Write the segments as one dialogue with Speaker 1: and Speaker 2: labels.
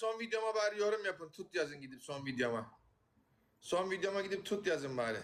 Speaker 1: son videoma bari yorum yapın. Tut yazın gidip son videoma. Son videoma gidip tut yazın bari.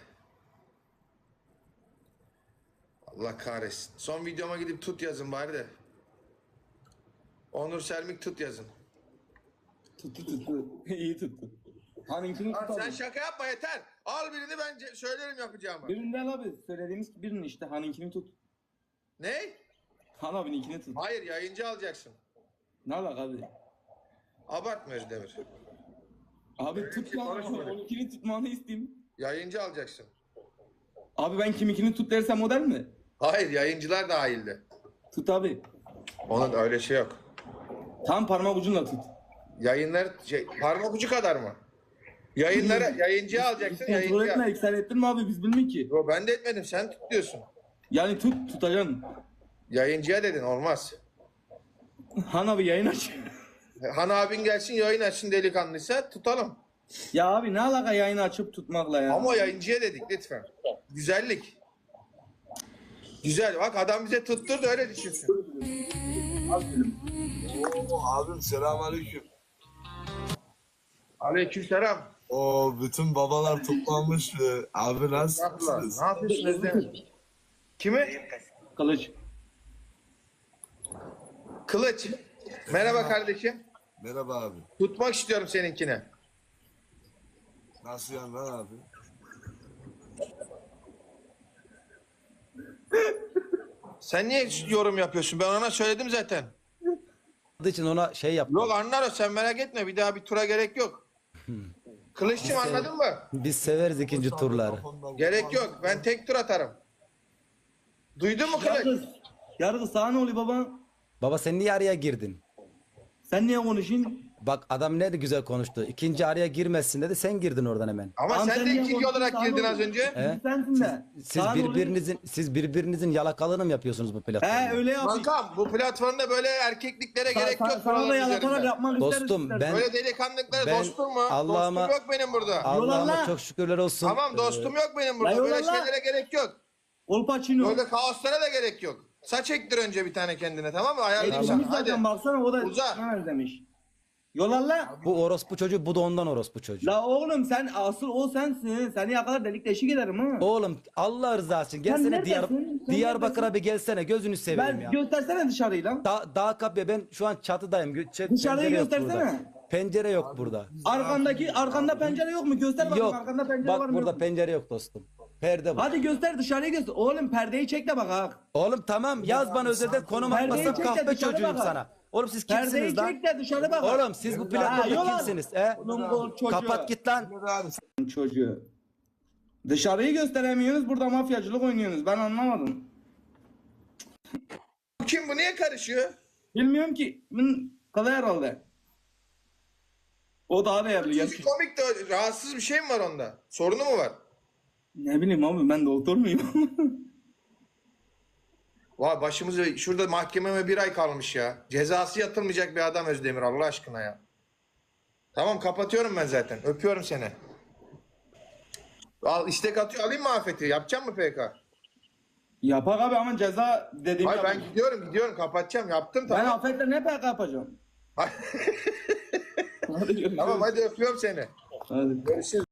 Speaker 1: Allah kahretsin. Son videoma gidip tut yazın bari de. Onur Selmik tut yazın.
Speaker 2: Tuttu. İyi tuttu. Hanımkini
Speaker 1: Lan
Speaker 2: tutalım.
Speaker 1: sen şaka yapma yeter. Al birini ben söylerim yapacağımı.
Speaker 2: Birini al abi. Söylediğimiz birini işte. Hanımkini tut.
Speaker 1: Ne?
Speaker 2: Han abininkini tut.
Speaker 1: Hayır yayıncı alacaksın.
Speaker 2: Ne alaka abi?
Speaker 1: Abartma Özdemir.
Speaker 2: Abi
Speaker 1: Öyle
Speaker 2: tut
Speaker 1: bir şey
Speaker 2: lan.
Speaker 1: konuşmadık.
Speaker 2: Onunkini tutmanı isteyeyim.
Speaker 1: Yayıncı alacaksın.
Speaker 2: Abi ben kiminkini tut dersem model mi?
Speaker 1: Hayır yayıncılar dahildi.
Speaker 2: Tut abi.
Speaker 1: Onun öyle şey yok.
Speaker 2: Tam parmak ucunla tut.
Speaker 1: Yayınlar parmak ucu kadar mı? Yayınlara yayıncı alacaksın
Speaker 2: Kontrol
Speaker 1: yayıncı.
Speaker 2: etme. Sen ettin mi abi? Biz bilmiyoruz ki.
Speaker 1: Yo, ben de etmedim sen tut diyorsun.
Speaker 2: Yani tutacaksın.
Speaker 1: Yayıncıya dedin olmaz.
Speaker 2: Han abi yayın aç.
Speaker 1: Han abin gelsin yayın açsın delikanlıysa tutalım.
Speaker 2: Ya abi ne alaka yayını açıp tutmakla ya?
Speaker 1: Ama yayıncıya dedik lütfen. Güzellik. Güzel bak adam bize tutturdu öyle düşünsün.
Speaker 3: Oo, abim selamünaleyküm.
Speaker 1: Aleykümselam.
Speaker 3: O bütün babalar toplanmış. Abi nasılsınız?
Speaker 1: Ne yapıyorsun Özdemir? Kimi?
Speaker 2: Kılıç.
Speaker 1: Kılıç. Merhaba kardeşim.
Speaker 3: Merhaba abi.
Speaker 1: Tutmak istiyorum seninkine.
Speaker 3: Nasıl yani lan abi?
Speaker 1: Sen niye yorum yapıyorsun? Ben ona söyledim zaten.
Speaker 4: için ona şey yap.
Speaker 1: Yok anlar o sen merak etme. Bir daha bir tura gerek yok. Kılıççım anladın mı?
Speaker 4: Biz severiz ikinci turları.
Speaker 1: Gerek yok. Ben tek tur atarım. Duydun mu Kılıç?
Speaker 2: Yargı. Yargı sana ne oluyor baba?
Speaker 4: Baba sen niye araya girdin?
Speaker 2: Sen niye konuşuyorsun?
Speaker 4: Bak adam ne de güzel konuştu. İkinci araya girmesin dedi. Sen girdin oradan hemen.
Speaker 1: Ama
Speaker 2: Tamam,
Speaker 1: sen de
Speaker 2: niye
Speaker 1: ikinci
Speaker 2: konuşuyorsun?
Speaker 1: olarak
Speaker 2: Sana
Speaker 1: girdin
Speaker 2: ne
Speaker 1: az
Speaker 2: oluyor?
Speaker 1: önce.
Speaker 4: He?
Speaker 2: Sensin de.
Speaker 4: Siz
Speaker 2: Sana ne oluyor?
Speaker 4: birbirinizin yalakalığını mı yapıyorsunuz bu platformda?
Speaker 2: He öyle yapayım.
Speaker 1: Kankam bu platformda böyle erkekliklere gerek yok.
Speaker 2: Sana da
Speaker 1: buraların
Speaker 2: yalakalar
Speaker 1: üzerinde.
Speaker 2: yapmak isteriz.
Speaker 4: Dostum, ben-
Speaker 1: Böyle delikanlıklara
Speaker 4: Ben
Speaker 1: dostum mu?
Speaker 4: Allah'ıma-
Speaker 1: Dostum yok benim burada.
Speaker 4: Allah'ıma
Speaker 2: Yolla.
Speaker 4: çok şükürler olsun.
Speaker 1: Tamam dostum yok benim
Speaker 2: La
Speaker 1: burada. Böyle
Speaker 2: yolla.
Speaker 1: şeylere gerek yok.
Speaker 2: Kolpaçino.
Speaker 1: Böyle kaoslara da gerek yok. Saç ektir önce bir tane kendine tamam mı? Ayarlayayım
Speaker 2: Elimiz
Speaker 1: sana. Hadi.
Speaker 2: zaten baksana o da
Speaker 1: Uza.
Speaker 2: sana demiş. Yola la.
Speaker 4: Bu orospu çocuğu, bu da ondan orospu çocuğu.
Speaker 2: La oğlum sen asıl o sensin. Seni yakalar delik deşik ederim ha.
Speaker 4: Oğlum Allah rızası için gelsene
Speaker 2: neredesin? Sen
Speaker 4: Diyarbakır'a bir gelsene, gözünü seveyim
Speaker 2: Ben
Speaker 4: ya.
Speaker 2: göstersene dışarıyı lan.
Speaker 4: Dağ kapıya, ben şu an çatıdayım.
Speaker 2: Dışarıyı
Speaker 4: Pencere yok
Speaker 2: göstersene.
Speaker 4: burada. Pencere yok burada.
Speaker 2: Arkanda pencere yok mu? Göster bakayım
Speaker 4: Yok.
Speaker 2: arkanda pencere var
Speaker 4: Bak
Speaker 2: mı?
Speaker 4: burada
Speaker 2: yok mu?
Speaker 4: pencere yok dostum. Perde var.
Speaker 2: Hadi göster dışarıyı göster. Oğlum perdeyi çek de bak ha.
Speaker 4: Oğlum tamam yaz bana özelden konum
Speaker 2: Perdeyi
Speaker 4: atmasam
Speaker 2: çek de
Speaker 4: kahpe
Speaker 2: dışarı
Speaker 4: çocuğuyum
Speaker 2: bak.
Speaker 4: sana. Oğlum siz
Speaker 2: Perdeyi
Speaker 4: kimsiniz lan?
Speaker 2: çek de dışarı bak.
Speaker 4: Oğlum siz bu
Speaker 2: Ha,
Speaker 4: platformda
Speaker 2: yola.
Speaker 4: kimsiniz? He?
Speaker 2: Oğlum bu çocuğu.
Speaker 4: Kapat git lan.
Speaker 3: Abi
Speaker 2: Çocuğu. Dışarıyı gösteremiyorsunuz burada mafyacılık oynuyorsunuz. Ben anlamadım.
Speaker 1: Bu kim bu niye karışıyor?
Speaker 2: Bilmiyorum ki. Kalay herhalde. O daha değerli.
Speaker 1: Çocuk komik de rahatsız bir şey mi var onda? Sorunu mu var?
Speaker 2: Ne bileyim abi ben doktor muyum?
Speaker 1: Vay başımıza şurada mahkememe bir ay kalmış ya. Cezası yatılmayacak bir adam Özdemir Allah aşkına ya. Tamam kapatıyorum ben zaten. Öpüyorum seni. Al istek atıyor. Alayım mı Afet'i? Yapacağım mı PK?
Speaker 2: Yapak abi ama ceza dediğim
Speaker 1: Hayır ben
Speaker 2: yapın.
Speaker 1: gidiyorum kapatacağım. Yaptım
Speaker 2: Ben
Speaker 1: tamam.
Speaker 2: afetle ne PK yapacağım? Hadi görüşürüz.
Speaker 1: Tamam hadi öpüyorum seni.
Speaker 2: Hadi.
Speaker 1: Görüşürüz.